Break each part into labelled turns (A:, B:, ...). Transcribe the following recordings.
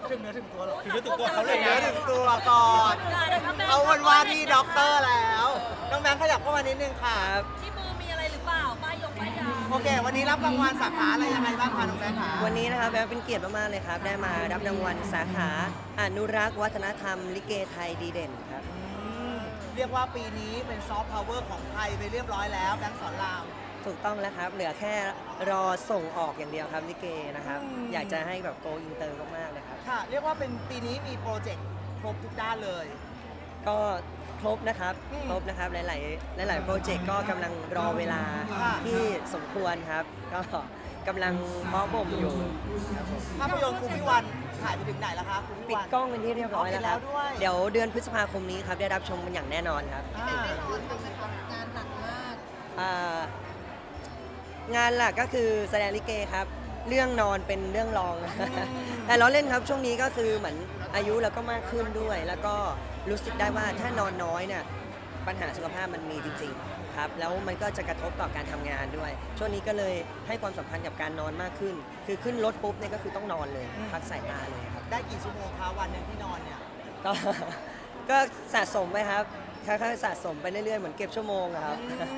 A: ถึงเนื้อถึงตัวหรอ
B: ถึงเนื้อถึงตัวเขาเลย
A: เนื้
B: นะ
A: อถึงตัวก่อนเขาวันว่าที่ด็อกเตอร์แล้วน้องแบงค์ขยับเข้ามานิดนึงค่ะ
C: ที่มือมีอะไรหรือเปล่าป้ายยา
A: โอเค วันนี้รับรางวัลสาขาอะไรยังไงบ้างคะน้องแบงค์คะ
D: วันนี้นะครับแบงค์เป็นเกียรติมากๆเลยครับได้มารับรางวัลสาขาอนุรักษ์วัฒนธรรมลิเกไทยดีเด่นครับ
A: เรียกว่าปีนี้เป็นซอฟต์พาวเวอร์ของไทยไปเรียบร้อยแล้วแบงค์สอนราม
D: ถูกต้องแล้วครับ เหลือแค่รอส่งออกอย่างเดียวครับลิเกนะครับ อยากจะให้แบบโกอินเตอร์มากๆเลยครับ
A: ค่ะ เรียกว่าเป็นปีนี้มีโปรเจกต์ครบทุกด้านเลย
D: ก็ครบนะครับ ครบนะครับหลายๆโปรเจกต์ก็กำลังรอเวลา
A: ค่ะ
D: ที่สมควรครับ ก็กำลังเพาะบ่มอยู่ครับผม
A: ภาพยนตร์ครูพิวันถ่ายไปถึงไหนแล้วคะครูพิ
D: ปิด
A: วัน
D: กล้องเป็นที่เรียบร้อยแล้วครับ
A: ปิดแล้วด้วย
D: เดี๋ยวเดือนพฤษภาคมนี้ครับได้รับชมกันอย่างแน่นอนครับ
A: อ่า
C: งานหนักมาก
D: งานหลักก็คือแสดงลิเกครับ เรื่องนอนเป็นเรื่องรอง แต่เราเล่นครับช่วงนี้ก็คือเหมือนอายุเราก็มากขึ้นด้วย แล้วก็รู้สึกได้ว่าถ้านอนน้อยเนี่ยปัญหาสุขภาพมันมีจริงๆครับแล้วมันก็จะกระทบต่อการทำงานด้วย ช่วงนี้ก็เลยให้ความสำคัญกับการนอนมากขึ้น คือขึ้นรถปุ๊บเนี่ยก็คือต้องนอนเลยพักสายตาเลยครับ
A: ได้กี่ชั่วโมงคะวันหนึ่งที่นอนเนี่ย
D: ก็ ก็สะสมไปครับค่อยๆสะสมไปเรื่อยๆเหมือนเก็บชั่วโมงอะครับ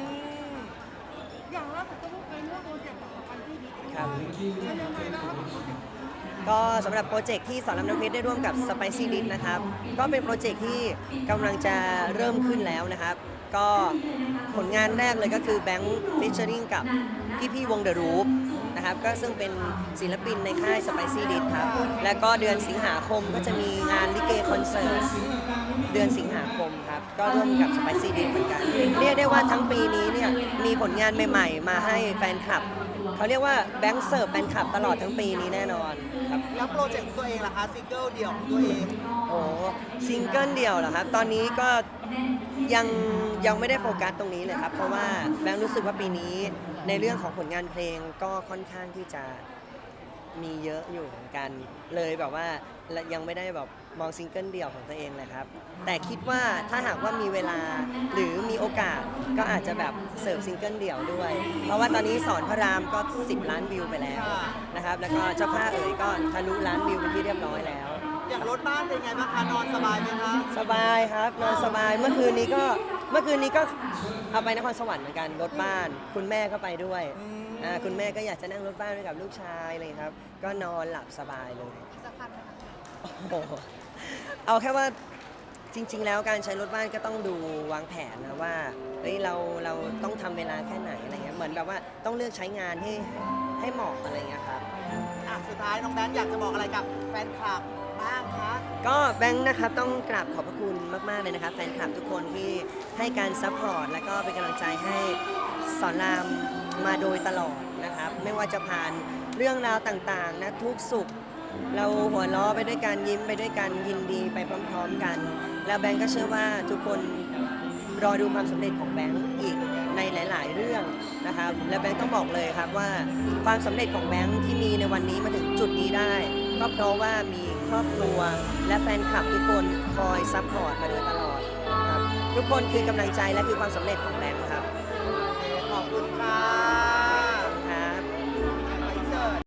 C: อย่างล่าสุดก็เพิ่งไปร่วมโปรเจกต์กับสไปซี่บิ๊ก
D: ครับ
C: เป็นยังไงนะครับโปรเจกต์
D: ก็สำหรับโปรเจกต์ที่สอนรามน้ำเพชรได้ร่วมกับ Spicy d i s นะครับ ก็เป็นโปรเจกต์ที่กำลังจะเริ่มขึ้นแล้วนะครับ ก็ผลงานแรกเลยก็คือแบงค์ฟิชเชอริงกับพี่ๆวง The Roof นะครับ ก็ซึ่งเป็นศิลปินในค่าย Spicy d i s ครับ แล้วก็เดือนสิงหาคมก็จะมีงานลิเกคอนเสิร์ตเดือนสิงหาคมครับ ก็ร่วมกับ Spicy d i s เหมือนกัน เรียกได้ว่าทั้งปีนี้เนี่ยมีผลงานใหม่ๆ มาให้แฟนคลับ เขาเรียกว่าแบงค์เสิร์ฟแฟนคลับตลอดทั้งปีนี้แน่นอนครับ
A: แล้วโปรเจกต์ของตัวเองล่ะคะซิงเกิลเดี่ยวของตัวเอง
D: โอ้ซิงเกิลเดี่ยวเหรอครับ ตอนนี้ก็ยังไม่ได้โฟกัสตรงนี้เลยครับ เพราะว่าแบงค์รู้สึกว่าปีนี้ในเรื่องของผลงานเพลงก็ค่อนข้างที่จะมีเยอะอยู่เหมือนกัน เลยแบบว่ายังไม่ได้แบบมองซิงเกิลเดี่ยวของตัวเองเลยครับ แต่คิดว่าถ้าหากว่ามีเวลาหรือมีโอกาสก็อาจจะแบบเสิร์ฟซิงเกิลเดี่ยวด้วย เพราะว่าตอนนี้สอนพระรามก็10 ล้านวิวไปแล้วนะครับ แล้วก็เจ้าผ้าเอ๋ยก็ทะลุล้านวิวเป็นที่เรียบร้อยแล้ว
A: อย่างรถบ้านเป็นไงบ้างคะนอนสบายไหมคะ
D: สบายครับนอนสบายเมื่อคืนนี้ก็เอาไปนครสวรรค์เหมือนกันรถบ้าน คุณแม่ก็ไปด้วยคุณแม่ก็อยากจะนั่งรถบ้านไปกับลูกชายเลยครับ ก็นอนหลับสบายเลย
C: สักพันไหมคะ
D: โอ้โหเอาแค่ว่าจริง ๆ แล้วการใช้รถบ้านก็ต้องดูวางแผนนะว่าเฮ้ยเราต้องทำเวลาแค่ไหนอะไรเงี้ยเหมือนแบบว่าต้องเลือกใช้งานให้เหมาะอะไรเงี้ยครับ
A: สุดท้ายน้องแบงค์อยากจะบอกอะไรกับแฟนคลับบ้างคะ
D: ก็แบงค์นะครับต้องกราบขอบพระคุณมาก ๆ เลยนะครับแฟนคลับทุกคนที่ให้การซัพพอร์ตและก็เป็นกำลังใจให้สอนรามมาโดยตลอดนะครับ ไม่ว่าจะผ่านเรื่องราวต่าง ๆ นะทุกสุข เราหัวเราะไปด้วยกันยิ้มไปด้วยกันยินดีไปพร้อม ๆ กัน แล้วแบงค์ก็เชื่อว่าทุกคนรอดูความสำเร็จของแบงค์อีกในหลาย ๆ เรื่องนะครับ และแบงค์ต้องบอกเลยครับว่าความสำเร็จของแบงค์ที่มีในวันนี้มาถึงจุดนี้ได้ ก็เพราะว่ามีครอบครัวและแฟนคลับทุกคนคอยซัพพอร์ตมาโดยตลอดครับทุกคนคือกำลังใจและคือความสำเร็จของแบงค์ครับ
A: ขอบคุณค่ะ